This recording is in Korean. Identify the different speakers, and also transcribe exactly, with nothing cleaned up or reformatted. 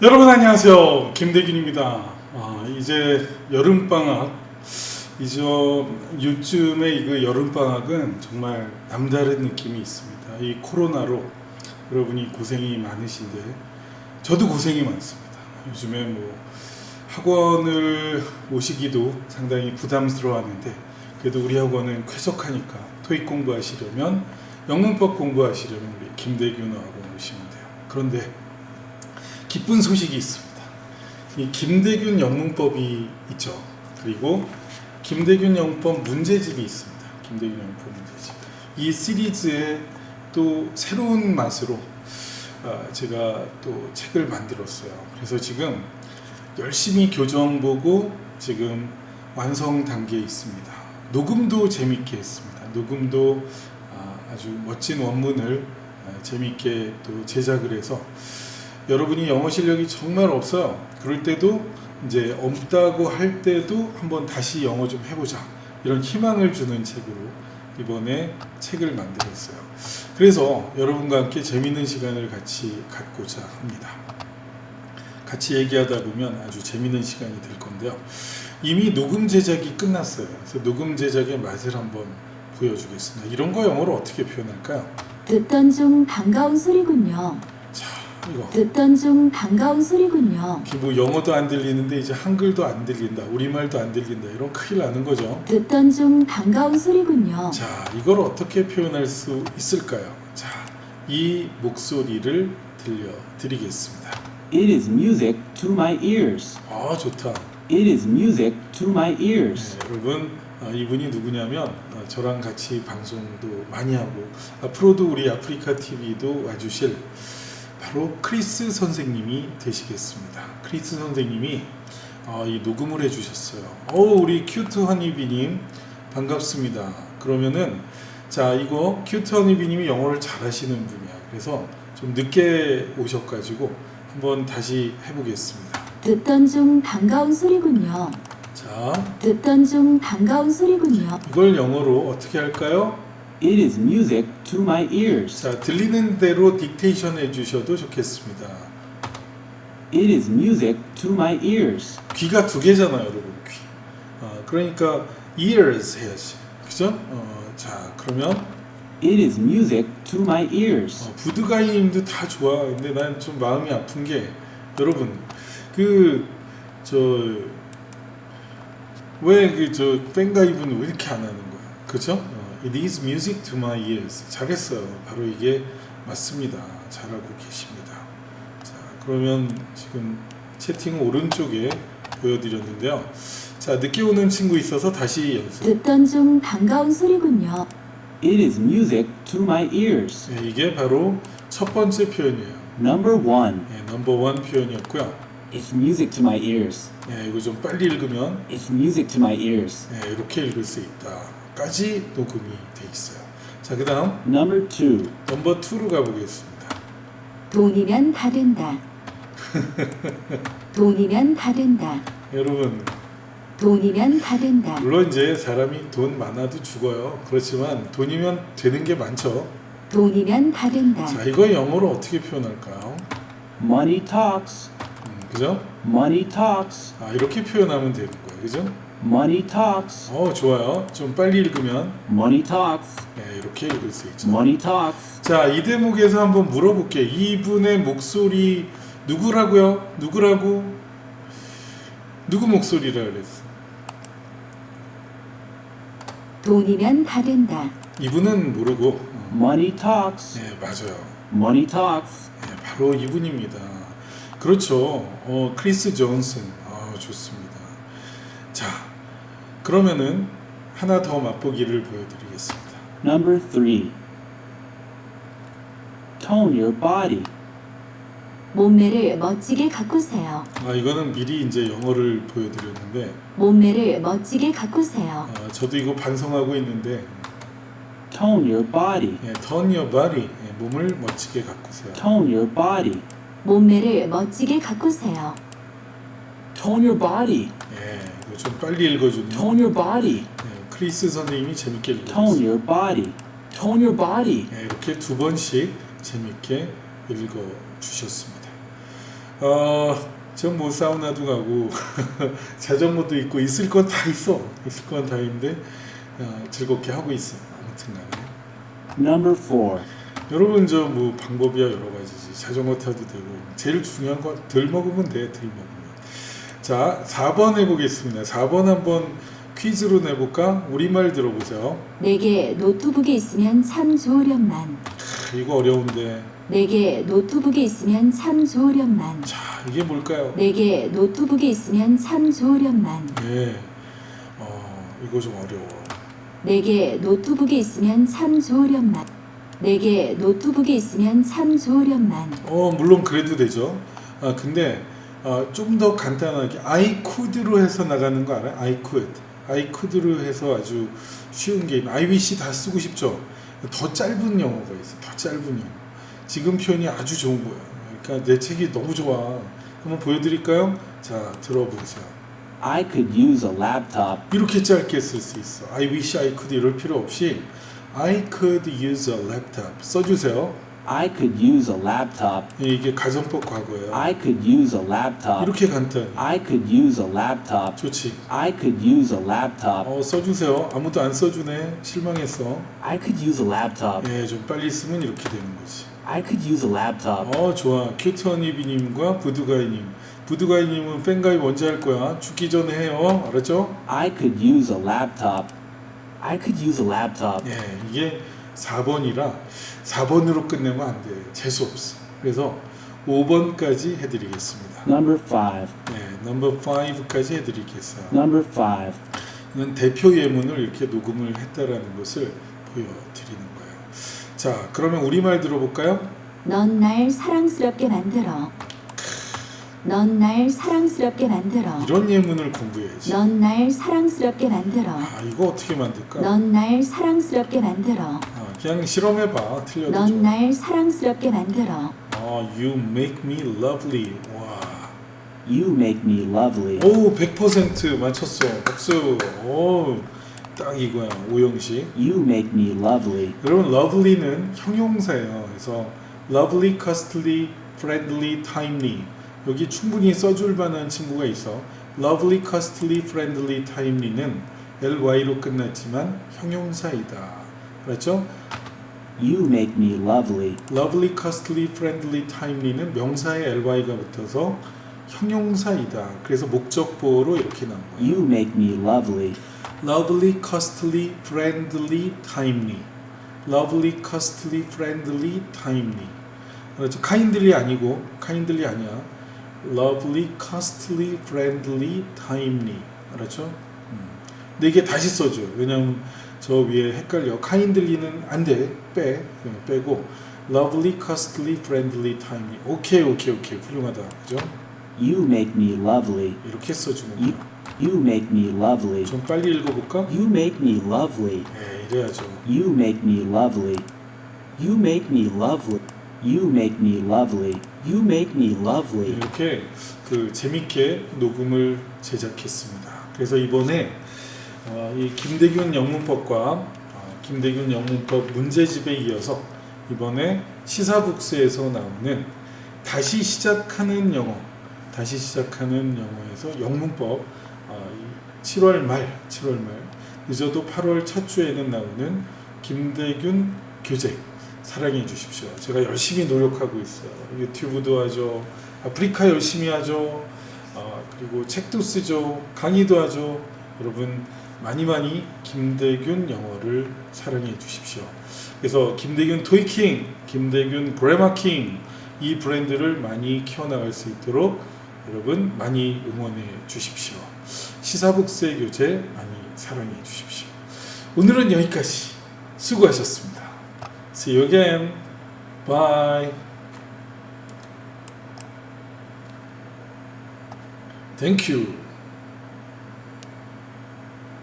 Speaker 1: 여러분 안녕하세요. 김대균입니다. 아, 이제 여름방학, 이제 요즘에 이거 여름방학은 정말 남다른 느낌이 있습니다. 이 코로나로 여러분이 고생이 많으신데 저도 고생이 많습니다. 요즘에 뭐 학원을 오시기도 상당히 부담스러워하는데 그래도 우리 학원은 쾌적하니까 토익 공부하시려면 영문법 공부하시려면 우리 김대균 학원 오시면 돼요. 그런데 기쁜 소식이 있습니다. 이 김대균 영문법이 있죠. 그리고 김대균 영문법 문제집이 있습니다. 김대균 영문법 문제집. 이 시리즈에 또 새로운 맛으로 제가 또 책을 만들었어요. 그래서 지금 열심히 교정 보고 지금 완성 단계에 있습니다. 녹음도 재밌게 했습니다. 녹음도 아주 멋진 원문을 재밌게 또 제작을 해서 여러분이 영어 실력이 정말 없어요. 그럴 때도 이제 없다고 할 때도 한번 다시 영어 좀 해보자, 이런 희망을 주는 책으로 이번에 책을 만들었어요. 그래서 여러분과 함께 재밌는 시간을 같이 갖고자 합니다. 같이 얘기하다 보면 아주 재밌는 시간이 될 건데요. 이미 녹음 제작이 끝났어요. 그래서 녹음 제작의 맛을 한번 보여주겠습니다. 이런 거 영어로 어떻게 표현할까요?
Speaker 2: 듣던 중 반가운 소리군요.
Speaker 1: 자, 이거
Speaker 2: 듣던 중 반가운 소리군요.
Speaker 1: 뭐 영어도 안 들리는데 이제 한글도 안 들린다, 우리말도 안 들린다, 이런 큰일 나는 거죠.
Speaker 2: 듣던 중 반가운 소리군요.
Speaker 1: 자, 이걸 어떻게 표현할 수 있을까요? 자, 이 목소리를 들려드리겠습니다.
Speaker 3: It is music to my ears.
Speaker 1: 아, 좋다.
Speaker 3: It is music to my ears.
Speaker 1: 네, 여러분, 아, 이분이 누구냐면 아, 저랑 같이 방송도 많이 하고 앞으로도 우리 아프리카 티비도 와주실 바로 크리스 선생님이 되시겠습니다. 크리스 선생님이 어, 이 녹음을 해주셨어요. 어, 우리 큐트 허니비님 반갑습니다. 그러면은 자, 이거 큐트 허니비님이 영어를 잘하시는 분이야. 그래서 좀 늦게 오셔가지고 한번 다시 해보겠습니다.
Speaker 2: 듣던 중 반가운 소리군요.
Speaker 1: 자,
Speaker 2: 듣던 중 반가운 소리군요.
Speaker 1: 이걸 영어로 어떻게 할까요?
Speaker 3: It is music to my ears.
Speaker 1: 자, 들리는 대로 딕테이션 해주셔도 좋겠습니다.
Speaker 3: It is music to my ears.
Speaker 1: 귀가 두 개잖아요, 여러분. 귀. 어, 그러니까 ears 해야지, 그죠? 어, 자, 그러면
Speaker 3: It is music to my ears.
Speaker 1: 어, 부드가이님도 다 좋아. 근데 난 좀 마음이 아픈 게 여러분, 그 저 왜 그 저 팬가입은 왜 이렇게 안 하는 거야, 그죠? 어, It is music to my ears. 잘했어요. 바로 이게 맞습니다. 잘하고 계십니다. 자, 그러면 지금 채팅 오른쪽에 보여드렸는데요. 자, 늦게 오는 친구 있어서 다시 연습.
Speaker 2: 듣던 중 반가운 소리군요.
Speaker 3: It is music to my ears.
Speaker 1: 네, 이게 바로 첫 번째 표현이에요.
Speaker 3: Number one.
Speaker 1: 네, 넘버 원 표현이었고요.
Speaker 3: It's music to my ears.
Speaker 1: 네, 이거 좀 빨리 읽으면
Speaker 3: It's music to my ears.
Speaker 1: 네, 이렇게 읽을 수 있다까지 녹음이 돼 있어요. 자, 그 다음
Speaker 3: Number two.
Speaker 1: 넘버 투로 가보겠습니다.
Speaker 2: 돈이면 다 된다. 돈이면 다 된다.
Speaker 1: 여러분,
Speaker 2: 돈이면 다 된다.
Speaker 1: 물론 이제 사람이 돈 많아도 죽어요. 그렇지만 돈이면 되는 게 많죠.
Speaker 2: 돈이면 다 된다.
Speaker 1: 자, 이거 영어로 어떻게 표현할까요?
Speaker 3: Money talks.
Speaker 1: 음, 그죠?
Speaker 3: Money talks.
Speaker 1: 아, 이렇게 표현하면 되는 거예요. 그죠?
Speaker 3: Money talks.
Speaker 1: 어, 좋아요. 좀 빨리 읽으면
Speaker 3: Money talks.
Speaker 1: 네, 이렇게 읽을 수 있죠.
Speaker 3: Money talks.
Speaker 1: 자, 이 대목에서 한번 물어볼게요. 이분의 목소리 누구라고요? 누구라고? 누구 목소리라 그랬어?
Speaker 2: 돈이면 다 된다.
Speaker 1: 이분은 모르고 어,
Speaker 3: Money talks.
Speaker 1: 네, 맞아요.
Speaker 3: Money talks.
Speaker 1: 네, 바로 이분입니다. 그렇죠. 어, 크리스 존슨. 아, 좋습니다. 자, 그러면은 하나 더 맛보기를 보여드리겠습니다.
Speaker 3: Number three. Tone your body.
Speaker 2: 몸매를 멋지게 가꾸세요.
Speaker 1: 아, 이거는 미리 이제 영어를 보여드렸는데
Speaker 2: 몸매를 멋지게 가꾸세요.
Speaker 1: 아, 저도 이거 반성하고 있는데
Speaker 3: Tone your body.
Speaker 1: 예, turn your body. 예, 몸을 멋지게 가꾸세요.
Speaker 3: Tone your body.
Speaker 2: 몸매를 멋지게 가꾸세요.
Speaker 3: Tone your body.
Speaker 1: 예, 이거 좀 빨리 읽어주는
Speaker 3: Tone your body.
Speaker 1: 예, 크리스 선생님이 재밌게
Speaker 3: Tone
Speaker 1: 읽어주세요.
Speaker 3: your body. Tone your body.
Speaker 1: 예, 이렇게 두 번씩 재밌게 읽어주셨습니다. 어, 전 뭐 사우나도 가고 자전거도 있고 있을 건 다 있어. 있을 건 다 있는데 어, 즐겁게 하고 있어. 아무튼 간에.
Speaker 3: Number four.
Speaker 1: 여러분 저 뭐 방법이야 여러 가지지. 자전거 타도 되고 제일 중요한 건 덜 먹으면 돼. 덜 먹으면. 자, 사 번 해보겠습니다. 사 번 한번 퀴즈로 내볼까? 우리말 들어보세요.
Speaker 2: 내게 노트북이 있으면 참 좋으련만.
Speaker 1: 크, 이거 어려운데.
Speaker 2: 내게 노트북이 있으면 참 좋으련만.
Speaker 1: 자, 이게 뭘까요?
Speaker 2: 내게 노트북이 있으면 참 좋으련만.
Speaker 1: 예, 어, 이거 좀 어려워.
Speaker 2: 내게 노트북이 있으면 참 좋으련만. 내게 노트북이 있으면 참 좋으련만.
Speaker 1: 어, 물론 그래도 되죠. 아, 근데 어, 좀 더 간단하게 I could로 해서 나가는 거 알아요? I could. I could로 해서 아주 쉬운 게임. I wish 다 쓰고 싶죠. 더 짧은 영어가 있어. 더 짧은 영어. 지금 표현이 아주 좋은 거예요. 그러니까 내 책이 너무 좋아. 한번 보여드릴까요? 자, 들어보세요.
Speaker 3: I could use a laptop.
Speaker 1: 이렇게 짧게 쓸 수 있어. I wish I could 이럴 필요 없이 I could use a laptop 써주세요.
Speaker 3: I could use a laptop.
Speaker 1: 이게 가정법 과거예요.
Speaker 3: I could use a laptop.
Speaker 1: 이렇게 간단히.
Speaker 3: I could use a laptop.
Speaker 1: 좋지.
Speaker 3: I could use a laptop.
Speaker 1: 어, 써주세요. 아무도 안 써주네. 실망했어.
Speaker 3: I could use a laptop.
Speaker 1: 예, 좀 빨리 쓰면 이렇게 되는 거지.
Speaker 3: I could use a laptop.
Speaker 1: 어, 좋아. 큐트허니비님과 부두가이님. 부두가이님은 팬가입 언제 할 거야? 죽기 전에 해요. 알았죠?
Speaker 3: I could use a laptop. I could use a laptop.
Speaker 1: 예, 이게 사 번이라 사 번으로 끝내면 안 돼. 재수 없어. 그래서 오 번까지 해드리겠습니다.
Speaker 3: Number five.
Speaker 1: 네, 넘버 오까지 해드리겠어요.
Speaker 3: Number five.
Speaker 1: 이건 대표 예문을 이렇게 녹음을 했다라는 것을 보여드리는 거예요. 자, 그러면 우리말 들어볼까요?
Speaker 2: 넌 날 사랑스럽게 만들어. 넌 날 사랑스럽게 만들어.
Speaker 1: 이런 예문을 공부해야지.
Speaker 2: 넌 날 사랑스럽게 만들어.
Speaker 1: 아, 이거 어떻게 만들까?
Speaker 2: 넌 날 사랑스럽게 만들어.
Speaker 1: 아, 그냥 실험해봐. 틀려도
Speaker 2: 넌
Speaker 1: 좋아.
Speaker 2: 날 사랑스럽게 만들어.
Speaker 1: 아, you make me lovely. 와.
Speaker 3: You make me lovely.
Speaker 1: 오, 백 퍼센트 맞췄어. 박수. 오, 딱 이거야. 오형식.
Speaker 3: You make me lovely.
Speaker 1: 여러분, lovely는 형용사예요. 그래서 lovely, costly, friendly, timely. 여기 충분히 써줄 만한 친구가 있어. lovely, costly, friendly, timely는 ly로 끝났지만 형용사이다. 그렇죠?
Speaker 3: You make me lovely.
Speaker 1: lovely, costly, friendly, timely는 명사에 ly가 붙어서 형용사이다. 그래서 목적보로 이렇게 나온 거예요.
Speaker 3: You make me lovely.
Speaker 1: lovely, costly, friendly, timely. lovely, costly, friendly, timely. 그렇죠? kindly 아니고 kindly 아니야. lovely, costly, friendly, timely. 알았죠? 음. 근데 이게 다시 써줘. 왜냐면 저 위에 헷갈려. kindly는 안 돼. 빼. 그냥 빼고 lovely, costly, friendly, timely. 오케이, 오케이, 오케이. 훌륭하다. 그죠?
Speaker 3: You make me lovely.
Speaker 1: 이렇게 써주면
Speaker 3: You,
Speaker 1: 돼요.
Speaker 3: you make me lovely.
Speaker 1: 좀 빨리 읽어볼까?
Speaker 3: You make me lovely.
Speaker 1: 네, 이래야죠.
Speaker 3: You make me lovely. You make me lovely. You make me lovely. You make me lovely.
Speaker 1: 이렇게 그 재밌게 녹음을 제작했습니다. 그래서 이번에 어, 이 김대균 영문법과 어, 김대균 영문법 문제집에 이어서 이번에 시사북스에서 나오는 다시 시작하는 영어, 다시 시작하는 영어에서 영문법 어, 칠월 말, 칠월 말 늦어도 팔월 첫 주에는 나오는 김대균 교재 사랑해 주십시오. 제가 열심히 노력하고 있어요. 유튜브도 하죠. 아프리카 열심히 하죠. 어, 그리고 책도 쓰죠. 강의도 하죠. 여러분 많이 많이 김대균 영어를 사랑해 주십시오. 그래서 김대균 토이킹, 김대균 그래마킹 이 브랜드를 많이 키워나갈 수 있도록 여러분 많이 응원해 주십시오. 시사북스의 교재 많이 사랑해 주십시오. 오늘은 여기까지. 수고하셨습니다. See you again. Bye. Thank you.